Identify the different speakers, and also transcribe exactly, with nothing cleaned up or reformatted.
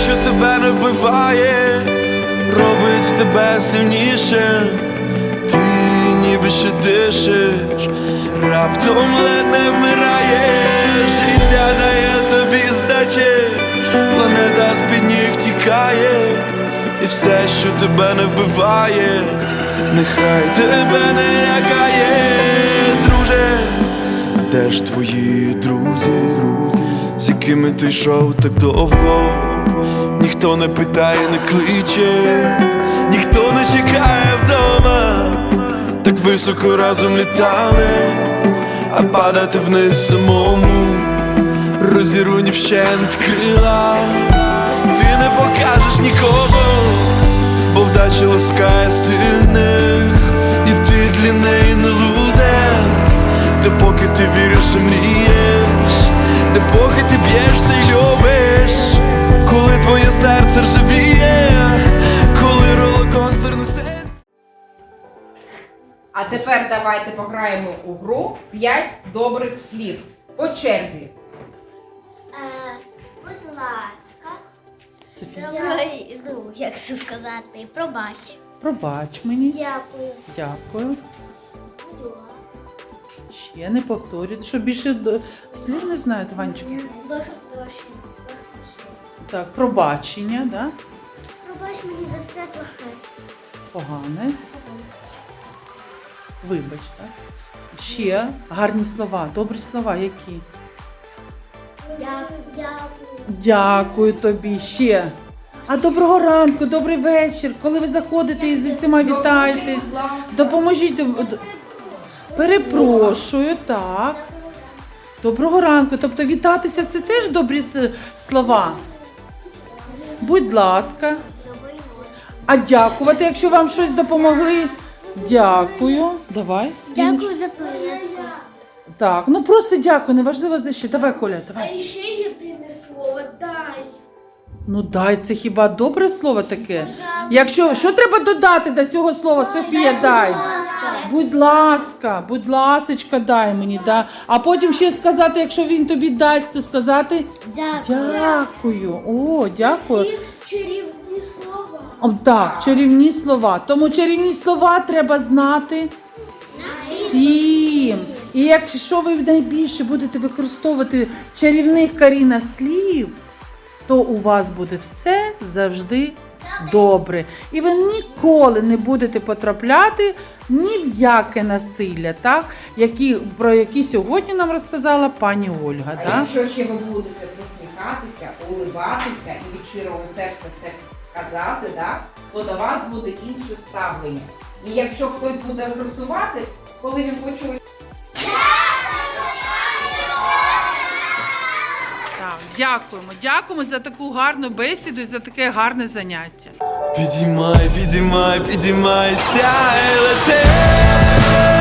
Speaker 1: що тебе не вбиває, робить тебе сильніше. Ти ніби ще дишиш, раптом ледь не вмираєш. Життя дає тобі здачі, планета з-під ніг тікає. І все, що тебе не вбиває, нехай тебе не лякає. Друже, де ж твої друзі, з якими ти йшов так довго? Ніхто не питає, не кличе, ніхто не чекає вдома. Так високо разом літали, а падати вниз самому, розірвані вщент крила. Ти не покажеш нікого, бо вдача ласкає сильних, і ти для неї не лузер. Допоки ти віриш і мрієш, допоки ти б'єшся й любиш, коли твоє серце ржавіє, коли ролокостер несе.
Speaker 2: А тепер давайте пограємо у гру п'ять добрих слів. По черзі.
Speaker 3: Е, будь ласка.
Speaker 4: Софія,
Speaker 3: Давай, ну, як це сказати, пробач.
Speaker 4: пробач мені.
Speaker 3: Дякую.
Speaker 4: Дякую.
Speaker 3: Будь ласка.
Speaker 4: Ще не повторюйте, що більше до- слів не знаєте, Ванечка.
Speaker 3: Дуже прошу.
Speaker 4: Так, пробачення, да?
Speaker 3: Пробач мені за все плохе.
Speaker 4: Погане. Вибач, так? Ще гарні слова, добрі слова, які?
Speaker 3: Дякую. Дякую.
Speaker 4: Дякую тобі, ще. А доброго ранку, добрий вечір. Коли ви заходите і зі всіма вітаєтесь, допоможіть. д- д- Перепрошую, так. Доброго ранку. Тобто вітатися це теж добрі с- слова. Будь ласка.
Speaker 3: Добрий ночі.
Speaker 4: А дякувати, якщо вам щось допомогли. Дякую. Давай.
Speaker 3: Дякую за поїздку.
Speaker 4: Так, ну просто дякую, неважливо за що. Давай, Коля, давай.
Speaker 5: А ще єдине слово дай.
Speaker 4: Ну дай, це хіба добре слово таке? Якщо, що треба додати до цього слова, Софія, дай. Будь ласка, будь ласочка, дай мені, да. А потім ще сказати, якщо він тобі дасть, то сказати
Speaker 3: Дякую.
Speaker 4: дякую. О, дякую.
Speaker 5: Всі чарівні слова.
Speaker 4: О, так, чарівні слова. Тому чарівні слова треба знати всім. І якщо ви найбільше будете використовувати чарівних, Каріна, слів, то у вас буде все завжди добре. І ви ніколи не будете потрапляти ні в яке насилля, так? Які, про які сьогодні нам розказала пані Ольга.
Speaker 2: А
Speaker 4: Так?
Speaker 2: якщо ще ви будете посміхатися, улибатися і від щирого серця це казати, да, то до вас буде інше ставлення. І якщо хтось буде агресувати, коли він почує.
Speaker 4: Так, дякуємо, дякуємо за таку гарну бесіду і за таке гарне заняття.
Speaker 1: Підіймай, підіймай, підіймайся і лети.